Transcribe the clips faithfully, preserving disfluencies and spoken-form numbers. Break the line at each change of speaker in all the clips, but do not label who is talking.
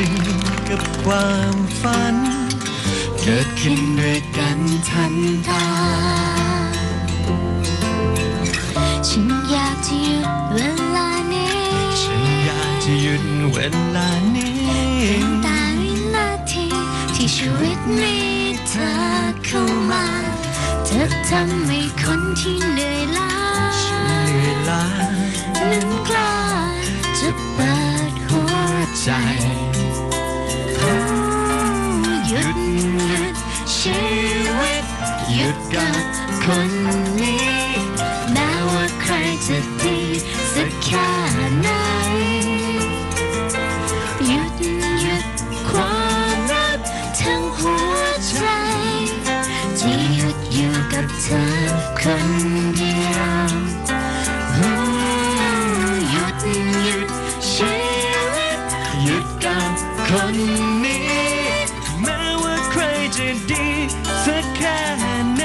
นึ่งกับความฝันเกิดขึ้นด้วยกันทันตา
ฉันอยากจะหยุดเวลานี้
ฉันอยากจะหยุดเวลานี้
แต่วินาทีที่ชีวิตมีเธอเข้ามาเธอทำให้คนที่เหนื่อยล้า
ฉันเหนื่อยล้า
นั้นกล้าจะเปิดหัวใจหยุดหยุดชีวิตหยุดกับคนนี้แม้ว่าใครจะดีสักแค่ไหนหยุดหยุดความรักทั้งหัวใจจะหยุดอยู่กับเธอคนเดียวหยุดหยุดชีวิต
หยุดกับคนนี้แม้ว่าใครจะดีสักแค่ไหน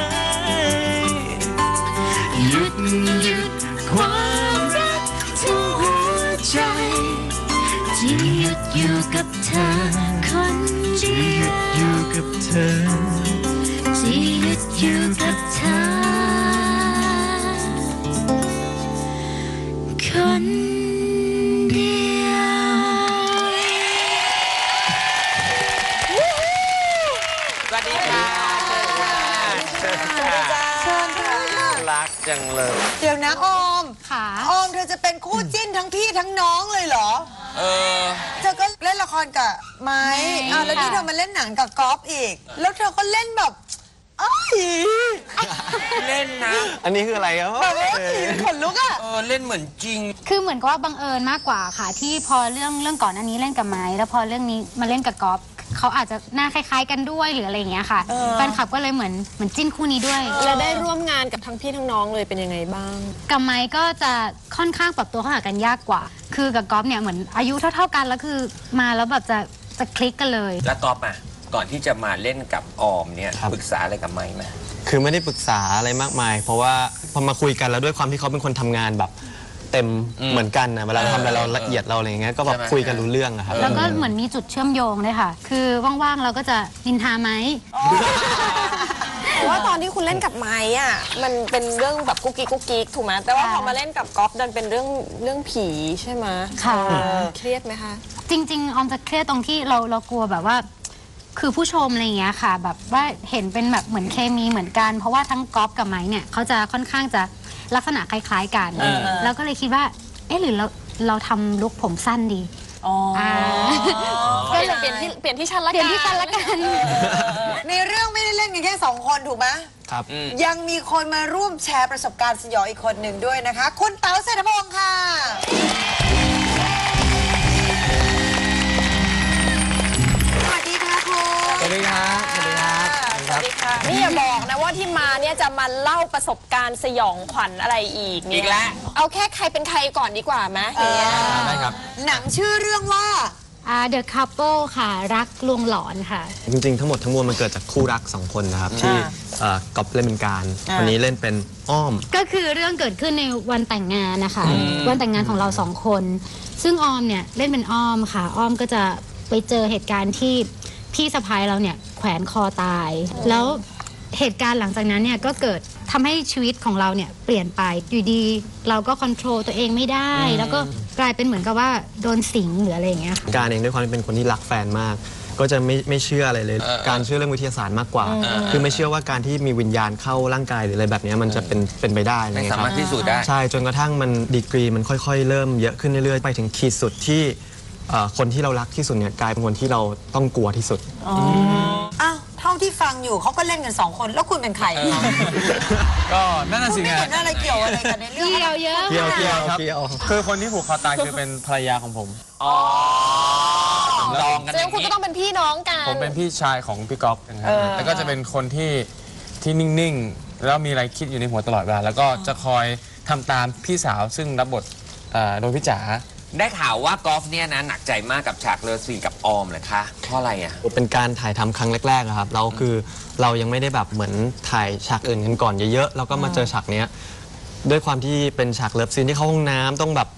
หยุดหยุดความรัก
ทั้งหัวใจจะหยุดอยู่กับเธอคนเดียว
จะหยุดอยู่กับเธอ
จะหยุดอยู่กับเธอคนเดียว
สวัสดีค่ะเชิญค่ะเชิญค่ะรักจังเลย
เดี๋ยวนะออม
ค่ะ
ออมเธอจะเป็นคู่จิ้นทั้งพี่ทั้งน้องเลยเหรอ
เออ
เธอก็เล่นละครกับไม้อ่าแล้วนี่เธอมาเล่นหนังกับก๊อฟอีกแล้วเธอก็เล่นแบบเอ้ย
เล่นนะ
อันนี้คืออะไรครับ
แบบว่าขนลุกอ่ะ
เออเล่นเหมือนจริง
คือเหมือนกับว่าบังเอิญมากกว่าค่ะที่พอเรื่องเรื่องก่อนอันนี้เล่นกับไม้แล้วพอเรื่องนี้มาเล่นกับก๊อฟเขาอาจจะหน้าคล้ายๆกันด้วยหรืออะไรอย่างเงี้ยค่ะแฟนคลับก็เลยเหมือนเหมือนจิ้นคู่นี้ด้วย
แล้วได้ร่วมงานกับทั้งพี่ทั้งน้องเลยเป็นยังไงบ้าง
กับไม้ก็จะค่อนข้างปรับตัวเข้าหากันยากกว่าคือกับก๊อฟเนี่ยเหมือนอายุเท่าๆกันแล้วคือมาแล้วแบบจะจะคลิกกันเลย
แล้วก๊อฟอ่ะก่อนที่จะมาเล่นกับออมเนี่ยปรึกษาอะไรกับไม้ไหม
คือไม่ได้ปรึกษาอะไรมากมายเพราะว่าพอมาคุยกันแล้วด้วยความที่เขาเป็นคนทำงานแบบเต็มเหมือนกันนะเวลาทำอะไรเราละเอียดเราอะไรอย่างเงี้ยก็แบบคุยกันรู้เรื่องอะครับ
แล้วก็เหมือนมีจุดเชื่อมโยงเลยค่ะคือว่างๆเราก็จะนินทาไหม
เพราะว่าตอนที่คุณเล่นกับไม้อ่ะมันเป็นเรื่องแบบกุ๊กกิ๊กกุ๊กกิ๊กถูกไหมแต่ว่าพอมาเล่นกับก๊อฟดันเป็นเรื่องเรื่องผีใช่ไหม
ค่ะ
เครียดไหมคะ
จริงๆออมจะเครียดตรงที่เราเรากลัวแบบว่าคือผู้ชมอะไรอย่างเงี้ยค่ะแบบว่าเห็นเป็นแบบเหมือนเคมีเหมือนกันเพราะว่าทั้งก๊อฟกับไม้เนี่ยเขาจะค่อนข้างจะลักษณะคล้ายๆกันแล้วก็เลยคิดว่าเอ๊ะหรือเราเราทำลุคผมสั้นดี
ก็เลยเปลี่ยนที่เปลี่ยนที่ชั้นละกัน
เปลี่ยนที่ชั้นละกัน
ในเรื่องไม่ได้เล่นกันแค่สองคนถูกไหม
ครับ
ยังมีคนมาร่วมแชร์ประสบการณ์สยองอีกคนหนึ่งด้วยนะคะคุณเต๋าเศรษฐพงศ์ค่ะสวัสดีค่ะคุณ
สวัสดีครับสวัสดีครับ
สวัสดีค่ะนี่อย่าบอกนะว่าที่มาเนี่ยจะมาเล่าประสบการณ์สยองขวัญอะไรอีก
อีกแล้ว
เอาแค่ใครเป็นใครก่อนดีกว่าไหม
ได้ครับ
หนังชื่อเรื่องว่า
The Couple ค่ะรักลวงหลอนค่ะ
จริงๆทั้งหมดทั้งมวลมันเกิดจากคู่รักสองคนนะครับที่ก๊อฟเล่นเป็นการวันนี้เล่นเป็นอ้อม
ก็คือเรื่องเกิดขึ้นในวันแต่งงานนะคะวันแต่งงานของเราสองคนซึ่งออมเนี่ยเล่นเป็นอ้อมค่ะอ้อมก็จะไปเจอเหตุการณ์ที่พี่สะพ้ายเราเนี่ยแขวนคอตายแล้วเหตุการณ์หลังจากนั้นเนี่ยก็เกิดทำให้ชีวิตของเราเนี่ยเปลี่ยนไปอยู่ดีเราก็ควบคุมตัวเองไม่ได้แล้วก็กลายเป็นเหมือนกับว่าโดนสิงหรืออะไรอย่างเงี้ยค่ะ
การเองด้วยความที่เป็นคนที่รักแฟนมากก็จะไม่ไม่เชื่ออะไรเลยการเชื่อเรื่องวิทยาศาสตร์มากกว่าคือไม่เชื่อว่าการที่มีวิญญาณเข้าร่างกายหรืออะไรแบบนี้มันจะเป็นเป็นไปได้
ไม่สามารถพิสูจน์ได้
ใช่จนกระทั่งมันดีกรีมันค่อยๆเริ่มเยอะขึ้นเรื่อยๆไปถึงขีดสุดที่คนที่เรารักที่สุดเนี่ยกลายเป็นคนที่เราต้องกลัวที่สุด
อ้าวเท่าที่ฟังอยู่เขาก็เล่นกันสองคนแล้วคุณเป็นใครคะ
ก็นั่นน่ะสิ
ไงคุณไม่เห็นอะไรเกี่ยวอะไรกันในเรื่อง
เกี่ยวเยอะ
เกี่ยวเกี่ยวครับ
คือคนที่ผูกคอตายคือเป็นภรรยาของผม
อ๋อลองกัน
แสดงคุณก็ต้องเป็นพี่น้องกัน
ผมเป็นพี่ชายของพี่ก๊อฟนะครับแล้วก็จะเป็นคนที่ที่นิ่งๆแล้วมีอะไรคิดอยู่ในหัวตลอดเวลาแล้วก็จะคอยทำตามพี่สาวซึ่งรับบทโดยพี่จ๋า
ได้ข่าวว่ากอล์ฟเนี่ยนะหนักใจมากกับฉากเลิฟซีนกับออมเลยคะเพราะอะไรอ่ะ
เป็นการถ่ายทำครั้งแรกๆครับเราคือเรายังไม่ได้แบบเหมือนถ่ายฉากอื่นกันก่อนเยอะๆแล้วก็มาเจอฉากเนี้ยด้วยความที่เป็นฉากเลิฟซีนที่เข้าห้องน้ำต้องแบบถ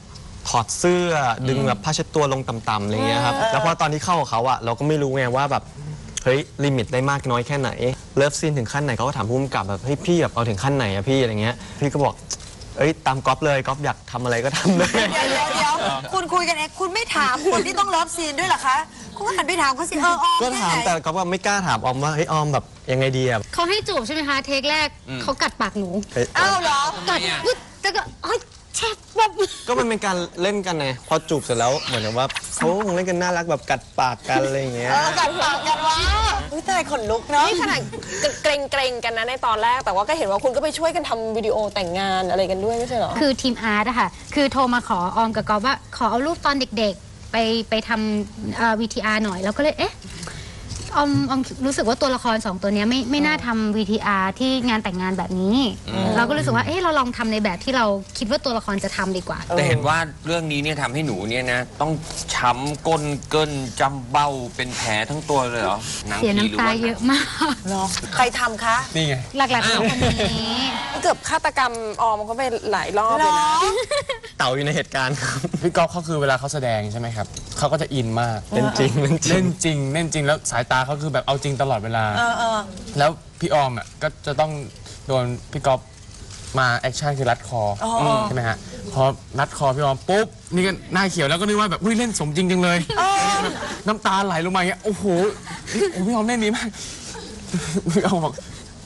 ถอดเสื้อดึงแบบผ้าเช็ดตัวลงต่ำๆอะไรเงี้ยครับแล้วพอตอนที่เข้ากับเขาอะเราก็ไม่รู้ไงว่าแบบเฮ้ยลิมิตได้มากน้อยแค่ไหนเลิฟซีนถึงขั้นไหนเขาก็ถามผู้กำกับแบบเฮ้ยพี่แบบเอาถึงขั้นไหนอะพี่อะไรเงี้ยพี่ก็บอกเอ้ยตามก๊อฟเลยก๊อฟอยากทำอะไรก็ทำเลย
เดี๋ยวเดี๋ยวเดี๋ยวคุณคุยกันเองคุณไม่ถามคนที่ต้องเลิฟซีนด้วยเหรอคะคุณก็หันไปถามเขาสิเออออม
ก็ถามแต่ก๊อฟว่าไม่กล้าถามออมว่าเฮ้ยออมแบบยังไงดีอะ
เขาให้จูบใช่ไหมคะ เทคแรกเขากัดปากหนู
เฮ้ย
อ้าวเหรอ
กัดปึ๊ดแล้วก็เอ้ยแชบแบบ
ก็มันเป็นการเล่นกันไงพอจูบเสร็จแล้วเหมือนกับว่าเขาคงเล่นกันน่ารักแบบกัดปากกันอะไรอย่างเงี้ย
เออกันปากกันวะอุ้ยตายขนลุกเนาะ
นี่ขนาดเกรงเกรงๆกันนะในตอนแรก แต่ว่าก็เห็นว่าคุณก็ไปช่วยกันทำวิดีโอแต่งงานอะไรกันด้วยไม่ใช่เหรอ
คือทีมอาร์ตอะค่ะ คือโทรมาขอออมกับกอฟว่าขอเอารูปตอนเด็กๆ ไปไปทำวีทีอาร์หน่อย แล้วก็เลยเอ๊ะออมออมรู้สึกว่าตัวละครสองตัวเนี้ยไม่ไม่น่าทำ วี ที อาร์ ที่งานแต่งงานแบบนี้ เราก็รู้สึกว่าเอ๊ะเราลองทำในแบบที่เราคิดว่าตัวละครจะทำดีกว่า
แต่เห็นว่าเรื่องนี้เนี่ยทำให้หนูเนี่ยนะต้องช้ำก้นเกินจำเบ้าเป็นแผลทั้งตัวเลยเหรอหนัง
เสีย
ผีหรื
น้ำตา
ว่า
เยอะมาก
เนาะใครทำคะ
นี่ไง
หลักๆเป็นคนนี้
เกือบฆาตกรรมออมเขาไปหลายรอบ
เหร
เลย
อ
นะ
เต่าอยู่ในเหตุการณ์ครับ
พี่ก๊อฟเขาคือเวลาเขาแสดงใช่ไหมครับเขาก็จะอินมาก
เป็นจริงเป็นจริ
เล่
ง
นจริงเล่นจริงแล้วสายตาเขาคือแบบเอาจริงตลอดเวลา
เออเออ
แล้วพี่ออมอ่ะก็จะต้องโดนพี่ก๊อฟมาแอคชั่นคือรัดคออใช่ไหมฮะพอรัดคอพี่ออมปุ๊บนี่ก็หน้าเขียวแล้วก็นึกว่าแบบอุ้ยเล่นสมจริงจังเลยแบบน้ำตาไหลลงมาอย่างเงี้ยโอ้โหโอ้พี่ออมเล่นดีมากพี่ออมบอก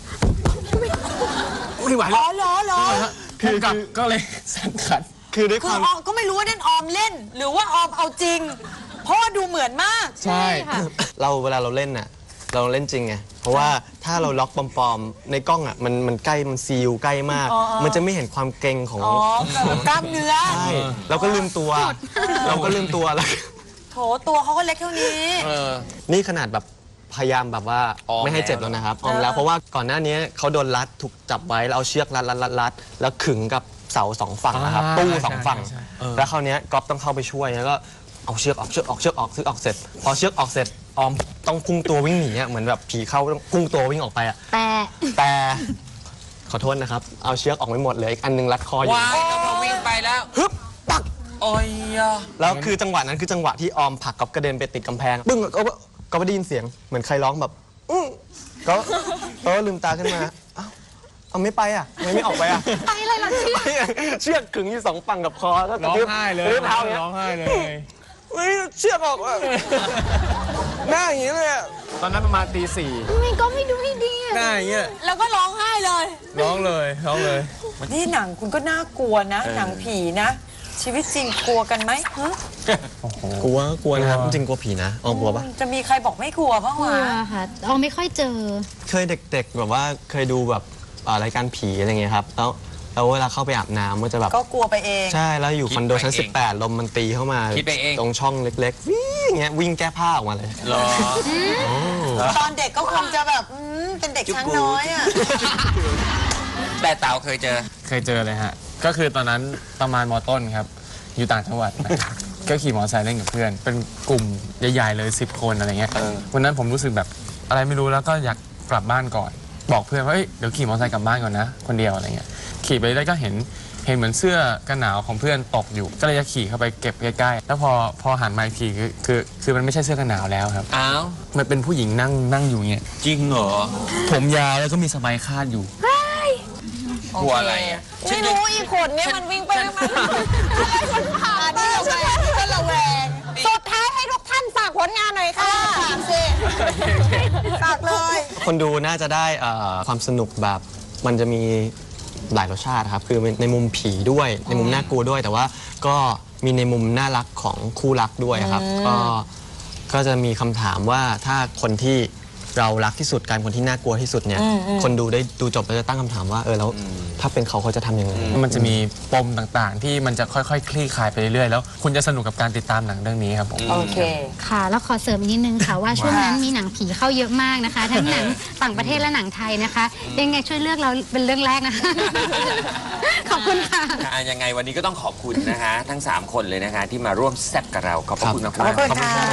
ไม่ไหว
อ๋
แล้
อ
ว
เหรอเหรอ
คือกับก็เลยสั่งขัด
คือด้วย
คื
ค
อ
วาม
ออมก็ไม่รู้ว่านั่นออมเล่น หรือว่าออมเอาจริง เพราะว่าดูเหมือนมาก
ใช่
ค่ะ
เราเวลาเราเล่นน่ะเราเล่นจริงไงเพราะว่าถ้าเราล็อกปลอมๆในกล้องอ่ะมันมันใกล้มันซีลใกล้มาก
อ๋ออ๋อ
มันจะไม่เห็นความเกรงของ
อ๋อแบบกล้ามเนื้อ
ใช่เราก็ลืมตัว เราก็ลืมตัวแล้ว
โถตัวเขาก็เล็กเท่านี้
เออ
นี่ขนาดแบบพยายามแบบว่า
ออม
ไม่ให้เจ็บ
แล้ว
แล้วนะครับออมแล้วเพราะว่าก่อนหน้านี้เขาโดนรัดถูกจับไว้แล้วเอาเชือกรัดรัดรัดรัดแล้วขึงกับเสาสองฝั่งนะครับ
อ่า
ตู้สองฝั่ง
ใช่ใช่เออ
แล้วคราวเนี้ยก๊อฟต้องเข้าไปช่วยแล้วก็เอาเชือกออกเชือกออกเชือกออกเชือกออกเสร็จ พอเชือกออกเสร็จออมต้องพุ่งตัววิ่งหนีอะเหมือนแบบผีเข้าต้องพุ่งตัววิ่งออกไปอะ
แต่
แต่ขอโทษนะครับ เอาเชือกออกไม่หมดเหลยอีกอันหนึงรัดคออยู่
วายก็พอวิ่งไปแล้ว
ฮึบปัก
โอ้ยอะ
แล้วคือจังหวะนั้นคือจังหวะที่ออมผลักก๊อฟกระเด็นไปติดกำแพงปึ้งก็ก็ไม่ได้ยินเสียงเหมือนใครร้องแบบอื้อก็ก็ลืมตาขึ้นมาเอ้าเอาไม่ไปอ่ะทำไมไม่ออกไปอ่ะ
ไปอะไรล่ะเชื่อ
เชือกขึงอยู่สองฝั่งกับคอแล้ว
ร้องไห้เลย
กระทืบเท้าอย่างเงี้ย
ร้องไห้เลย
เฮ้ยเชือกออกอ่ะหน้าอย่างงี้เลยอะ
ตอนนั้นประมาณตีสี่
ทำไมก็ไม่ดูให้ดีอะ
หน้าอย่างเงี้ย
แล้วก็ร้องไห้เลย
ร้องเลยร้องเลย
นี่หนังคุณก็น่ากลัวนะ หนังผีนะ ชีวิตจริงกลัวกันไหมฮะ
กลัวกลัวนะครับจริงๆกลัวผีนะออมกลัวปะ
จะมีใครบอกไม่กลัวบ้าง
กลั
วะ
วค่ะออมไม่ค่อยเจอ
เคยเด็กๆแบบว่าเคยดูแบบอ่ารายการผีอะไรเงี้ยครับแล้วแล้วเวลาเข้าไปอาบน้ำก็จะแบบ
ก็กลัวไปเอง
ใช่แล้วอยู่คอนโดชั้น สิบแปด ลมมันตีเข้ามา
คิดไปเอง
ตรงช่องเล็กๆวิ่งอย่างเงี้ยวิ่งแก้ผ้าออกมาเลย
เหรอ
ตอนเด็กก็คงจะแบบอืมเป็นเด็กช้างน้อยอ่ะ
แต่เต่าเคยเจอ
เคยเจอเลยฮะ ก็คือตอนนั้นประมาณมต้นครับ อยู่ต่างจังหวัดนะครับก็ขี่มอเตอร์ไซค์เล่นกับเพื่อน เป็นกลุ่มใหญ่ๆเลยสิบคนอะไรเงี้ย
เออ
วันนั้นผมรู้สึกแบบอะไรไม่รู้แล้วก็อยากกลับบ้านก่อน บอกเพื่อนว่าเอ้ยเดี๋ยวขี่มอเตอร์ไซค์กลับบ้านก่อนนะ คนเดียวอะไรเงี้ย ขี่ไปได้ก็เห็นเห็นเหมือนเสื้อกันหนาวของเพื่อนตกอยู่ ก็เลยจะขี่เข้าไปเก็บใกล้ๆ แล้วพอพอหันมาอีกทีคือคือคือมันไม่ใช่เสื้อกันหนาวแล้วครับ
อ้าว
มันเป็นผู้หญิงนั่งนั่งอยู่เงี้ย
จริงเหรอ
ผมยาวแล้วก็มีสบายคาดอยู่
กลัวอะไรอ่ะ
ไม่รู้อีกคนเนี่ยมันวิ่งไปวิ่งมาอะไรมันผ่าน
นี่เราแวงนี่เราแวง
สุดท้ายให้ทุกท่านฝากผลงานหน่อยค่ะ
ฝากสิฝากเลย
คนดูน่าจะได้เอ่อความสนุกแบบมันจะมีหลายรสชาติครับคือในมุมผีด้วยในมุมน่ากลัวด้วย แต่ว่าก็มีในมุมน่ารักของคู่รักด้วยครับก็ก็จะมีคำถามว่าถ้าคนที่เรารักที่สุดการคนที่น่ากลัวที่สุดเนี่ยคนดูได้ดูจบแล้วจะตั้งคำถามว่าเออแล้วถ้าเป็นเขาเขาจะทำยังไง
มันจะมีปมต่างๆ ที่มันจะค่อยๆ คลี่คลายไปเรื่อยๆ แล้วคุณจะสนุกกับการติดตามหนังเรื่องนี้ครับผม
โอเค
ค่ะ แล้วขอเสริมอีกนิดนึงค่ะว่าช่วงนั้นมีหนังผีเข้าเยอะมากนะคะ ทั้งหนังต่างประเทศและหนังไทยนะคะยังไงช่วยเลือกเราเป็นเรื่องแรกนะคะ ขอบคุณค่ะ
อ่ะยังไงวันนี้ก็ต้องขอบคุณนะคะ ทั้ง สาม คนเลยนะคะ ที่มาร่วมแซ่บกับเรา ขอบพระคุณมาก
ขอบคุณ
ๆ
ค่ะ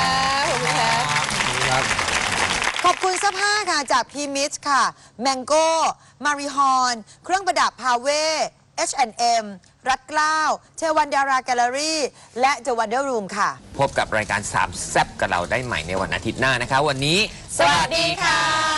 ขอบคุณเสื้อผ้าค่ะจากพีมิชค่ะ แมงโก้ มาริฮอน เครื่องประดับพาเว เอช แอนด์ เอ็มรัดเกล้าเชวันดาราแกลเลอรี่และ The Wonder Room ค่ะ
พบกับรายการสามแซบกับเราได้ใหม่ในวันอาทิตย์หน้านะคะ วันนี้
สวัสดีค่ะ